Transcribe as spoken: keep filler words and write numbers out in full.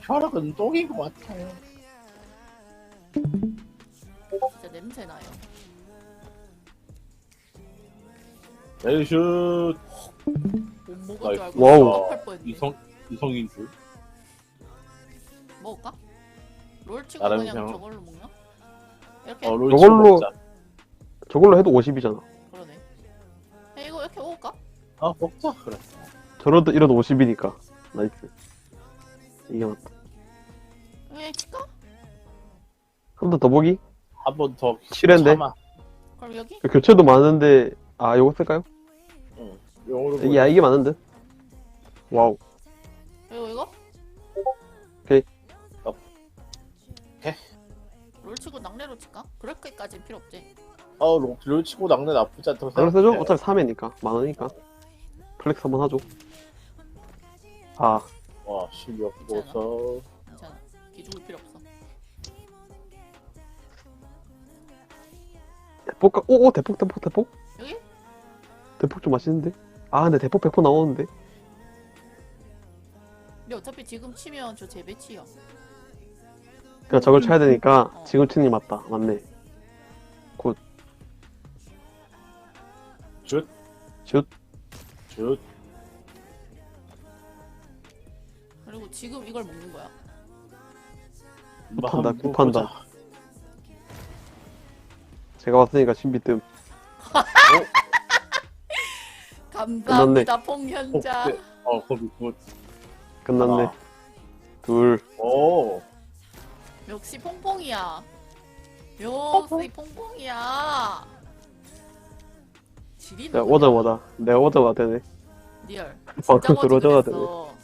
혈액은 똥인 것 같아요. 진짜 냄새 나요. 레이슛. 못 먹을 줄 알고 와우. 깜빡할 뻔했네. 이성 이성인 줄. 먹을까? 롤 치고 나름 그냥 그냥- 저걸로 먹나? 이렇게? 어, 롤 저걸로- 치고 먹자. 저걸로 해도 오십이잖아. 그러네. 야, 이거 이렇게 먹을까? 아 먹자 그래. 저러도 이러도 오십이니까. 나이스. 이게 맞다. 에 칠까? 한 번 더 보기? 한 번 더. 칠회인데? 참아. 그럼 여기? 교체도 많은데, 아, 요거 쓸까요? 응. 용으로. 야, 이게 많은데? 와우. 이거 이거? 오케이. 어. 오케이. 롤 치고 낙내로 칠까? 그렇게까지 필요 없지. 어, 롤, 롤 치고 낙내 나쁘지 않다고 그걸 쓰죠? 생각해. 어차피 삼 회니까. 많으니까. 플렉스 한번 하죠. 아, 와, 실력 보소. 괜찮아. 기죽을 필요 없어. 대폭, 가- 오, 오, 대폭, 대폭, 대폭? 여기? 대폭 좀 맛있는데? 아, 근데 대폭 백 퍼센트 나오는데? 근데 어차피 지금 치면 저 재배치야. 그니까 저걸 쳐야 되니까 어. 지금 치는 게 맞다. 맞네. 슛. 슛. 슛. 그리고 지금 이걸 먹는 거야. 굿한다, 한번 굿한다. 보자. 제가 왔으니까 신비뜸. 감사합니다, 퐁현자. 어, 네. 어, 거기 굿. 끝났네. 하나. 둘. 오. 역시 퐁퐁이야. 역시 퐁퐁이야. 지리는 자, 오자마자. 내가 오자마자 되네. 리얼. 방금 진짜 들어오자마자 거지 그랬어.